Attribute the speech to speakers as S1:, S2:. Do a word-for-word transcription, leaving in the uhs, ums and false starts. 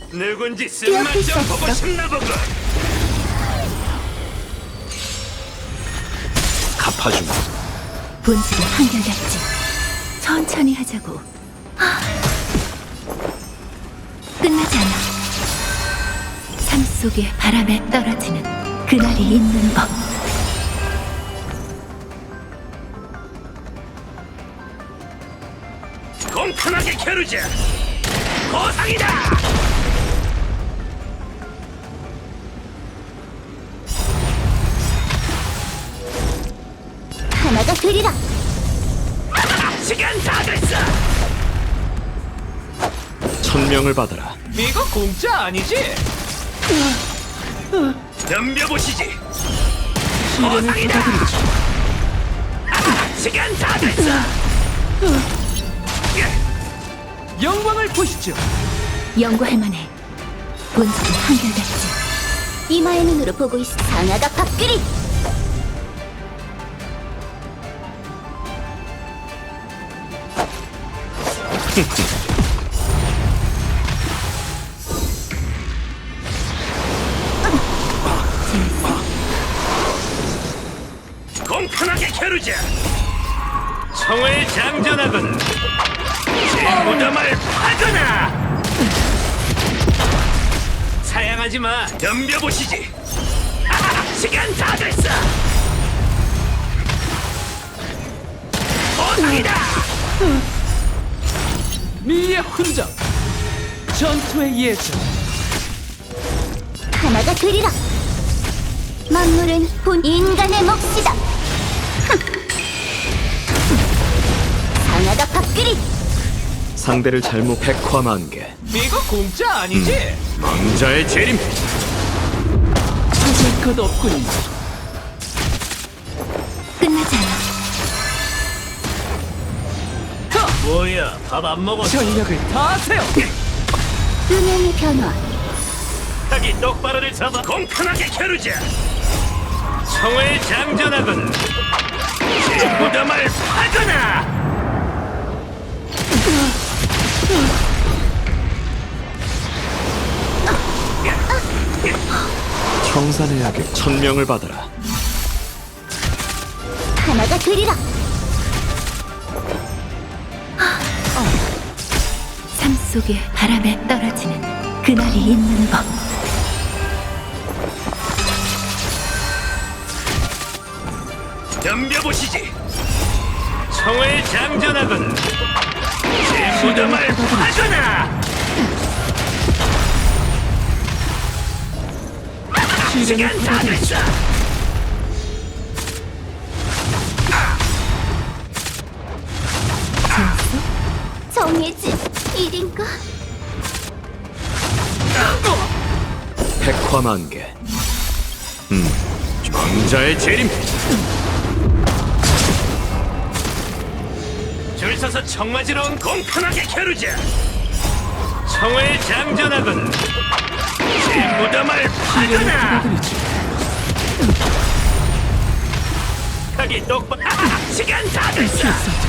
S1: 누군지 쓴맛 좀 보고 싶나 보군.
S2: 갚아주마.
S3: 본질은 한결같지. 천천히 하자고. 하. 끝나지 않아. 삶 속에 바람에 떨어지는 그날이 있는 법.
S1: 공평하게 겨루자. 보상이다.
S3: 하나가 되리라.
S1: 시간 다 됐어.
S2: 천명을 받아라.
S4: 이거 공짜 아니지?
S1: 덤벼보시지.
S4: 시련을
S1: 보상이다.
S4: 받아들이지.
S1: 시간 다 됐어.
S4: 영광을 보시죠.
S3: 연구할 만해. 본질은 한결같지. 이마의 눈으로 보고 있어. 상아가 밥그리.
S1: 공평하게 겨루자. 청을 장전하거나 제 무덤을 파거나. 사양하지 마. 덤벼보시지. 시간 다 됐어. 보상이다.
S4: 미의 흔적. 전투의 예전.
S3: 하나가 되리라. 만물은 본 인간의 몫이다. 상아가 밥그리.
S2: 상대를 잘못 백화만개.
S4: 이거 공짜 아니지?
S1: 왕자의 재림.
S4: 찾을 것 없군.
S3: 끝나지 않아.
S1: 뭐야, 밥 안 먹었어?
S4: 전력을 다하세요.
S3: 음향의 변화.
S1: 자기 똑바로를 잡아. 공평하게 겨루자. 청을 장전하거나 제 무덤을 파거나.
S2: 청산해야겠. 천명을 받아라.
S3: 하나가 되리라. 삶 속에 바람에 떨어지는 그날이 있는 법.
S1: 덤벼보시지. 청을 장전하거나 제 무덤을 파거나.
S4: 시련을
S1: 시간 다
S4: 받아들이지.
S1: 됐어.
S3: 정의의 집 일인가?
S2: 백화만개.
S1: 왕자의 재림. 줄 서서 청 맞으러 온 공평하게 겨루자. 청을 장전하거나 제 무덤을
S4: 시련을
S1: 파거나.
S4: 받아들이지.
S1: 가기 똑바로. 시간 다 됐어.